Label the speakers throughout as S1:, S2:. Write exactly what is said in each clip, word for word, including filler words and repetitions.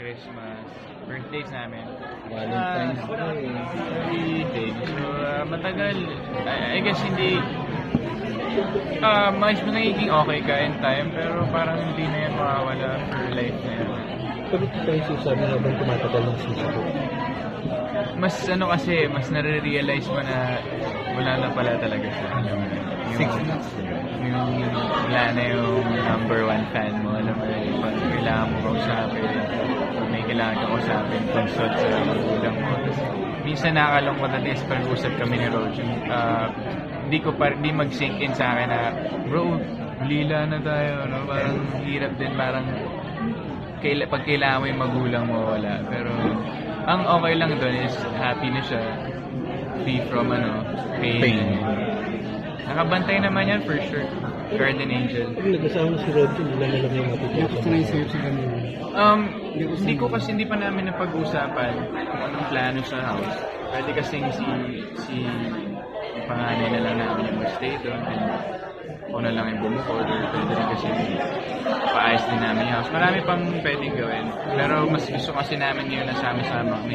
S1: Christmas, birthdays namin.
S2: Valentine's
S1: Ah,
S2: Day.
S1: Holiday. So, ah, matagal. I, I guess hindi, ah, mas nagiging okay ka in time, pero parang hindi na yan mawawala for life na yan.
S2: Pero ito tayo sinasabi habang tumatagal ng season.
S1: Mas ano kasi, mas nare-realize mo na wala na pala talaga siya. Alam mo na. Yung,
S2: Six months.
S1: yung wala na yung number one fan mo. Alam mo na, yung pag kailangan mo kausapin, pag may kailangan ka kausapin, consult sa magulang mo. Minsan nakakalungkot na din pag usap kami ni Roger. Uh, hindi ko pa, hindi mag-sink in sa akin na, bro, lila na tayo. No? Parang hirap din, parang kaila, pag kailangan mo yung magulang mo, wala. Pero ang okay lang doon is happy na siya, free from ano, pain.
S2: Pain.
S1: Nakabantay naman yan for sure. Guardian angel.
S2: Pag nag-asawa na si Roger, hindi lang alam yung matutulog.
S1: Um, hindi ko kasi hindi pa namin napag-usapan kung anong plano sa house. Pwede kasing si si yung panganay na lang namin yung mag-stay doon. And ako na lang yung bumukod. Or pwede rin kasi paayos din namin yung house. Marami pang pwedeng gawin. Pero mas gusto kasi namin yun na sama-sama kami.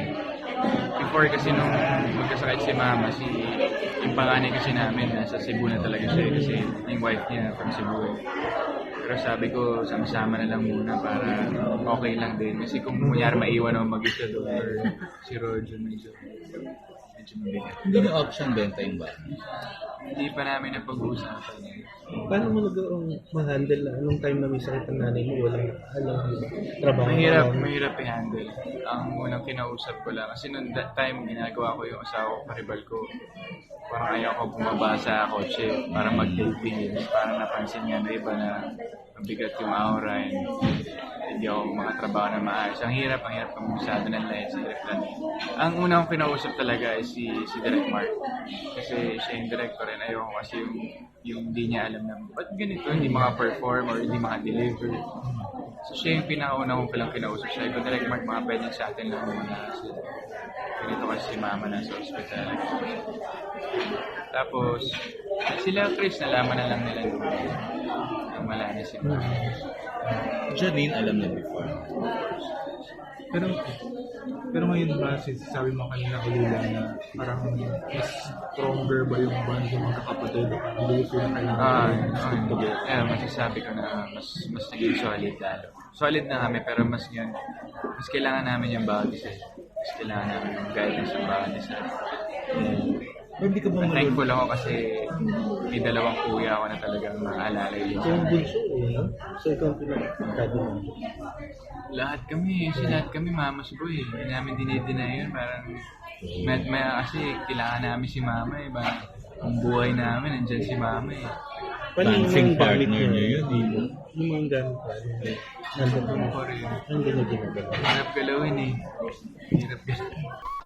S1: Before kasi nung magkasakit si mama, si yung panganay kasi namin nasa Cebu na talaga siya kasi yung wife niya from Cebu. Eh. Pero sabi ko, sama-sama na lang muna para okay lang din. Kasi kung kunyari maiwan ako mag-isa doon or si Roger medyo, medyo mabigat.
S3: Hindi na option benta yung ba?
S1: Hindi pa namin napag-uusapan.
S2: Paano mo nagawang ma-handle na anong time na may sakit ang nanay mo? Walang alam, trabaho.
S1: Mahirap,
S2: alam.
S1: mahirap i-handle. Ang unang kinausap ko lang, kasi noong that time, ginagawa ko yung asawa ko, karibal ko. Parang ayaw ko bumaba sa kotse para mag-dating. Parang napansin nga na iba na mabigat yung aura and hindi ako makatrabaho na maayos. Ang hirap, ang hirap pag-usado ng lights, ang hirap lang. Ang unang kong kinausap talaga is si, si Direct Mark. Kasi siya yung director and ayaw ko kasi yung, yung hindi niya alam na ba't ganito, hindi maka-perform or hindi maka-deliver. So siya yung pinakauna kong palang kinausap. Siya yung Direct Mark, mga pwedeng sa atin lang muna. So, ganito kasi si mama na sa hospital. Tapos, sila Chris, nalaman na lang nila nung nung wala na si mama.
S3: Janine alam na before.
S4: Pero pero ngayon ba, sabi mo kanina ulila na parang mas stronger ba yung band ng mga kapatid o parang do you feel na kailangan
S1: Ah,
S4: yung stick
S1: ah,
S4: together?
S1: yeah, masasabi ko na mas mas naging solid lalo. Solid na kami pero mas yun, mas kailangan namin yung bawat isa. Mas kailangan namin yung guidance ng bawat isa.
S3: Pero hindi ka ba
S1: And
S3: malulog?
S1: thankful ako kasi may dalawang kuya ako na talagang maalala yun.
S2: Ikaw ang bunso eh, no? So ikaw ang pinakakado mo.
S1: Lahat kami, kasi lahat kami mamas boy. Hindi namin dinideny yun. Parang, may, may, kasi kailangan namin si mama eh. Parang, ang buhay namin, nandyan si mama eh.
S2: Paano yung
S3: Dancing
S2: mga gamit
S3: partner niya yun, eh.
S2: Yung mga gamit pa, nandun
S1: Ano
S2: na
S1: pa rin.
S2: nandun na ginagawa.
S1: Hirap galawin eh. Hirap galawin.